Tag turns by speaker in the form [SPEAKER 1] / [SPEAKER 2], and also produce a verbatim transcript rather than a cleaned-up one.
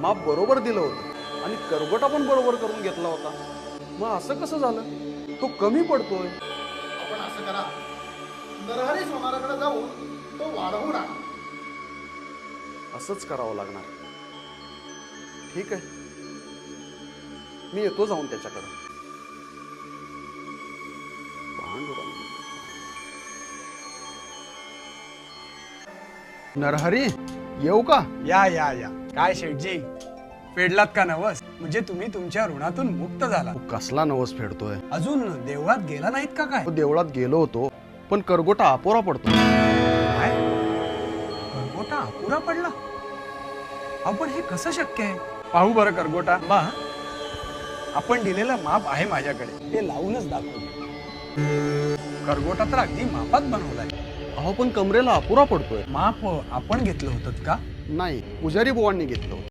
[SPEAKER 1] माप बरोबर दिलं होतं आणि करगोटा पण बरोबर करून घेतला होता. मग असं कसं झालं? तो कमी पडतोय.
[SPEAKER 2] आपण असं करा, नरहरी सोनाराकडे जाऊन तो वाढवून आणा.
[SPEAKER 1] असंच करावं लागणार. ठीक आहे, मी येतो जाऊन त्याच्याकडे. पांडुरंग. नरहरी, येऊ का?
[SPEAKER 3] या या या काय शेठजी, फेडलात का नवस? म्हणजे तुम्ही तुमच्या ऋणातून मुक्त झाला.
[SPEAKER 1] तू कसला नवस फेडतोय?
[SPEAKER 3] अजून देवळात गेला नाहीत का काय?
[SPEAKER 1] तो देवळात गेलो होतो, पण करगोटा अपुरा पडतो.
[SPEAKER 3] काय करगोटा अपुरा पडला? आपण हे कसं शक्य आहे? पाहू बरं करगोटा. बा, आपण दिलेलं माप आहे माझ्याकडे, ते लावूनच दाखवू. करगोटा तर अगदी मापात बनवलाय.
[SPEAKER 1] अहो पण कमरेला अपुरा पडतोय.
[SPEAKER 3] माप आपण घेतलं होतं का?
[SPEAKER 1] नाही, पुजारी बुवांनी घेतलं होतं.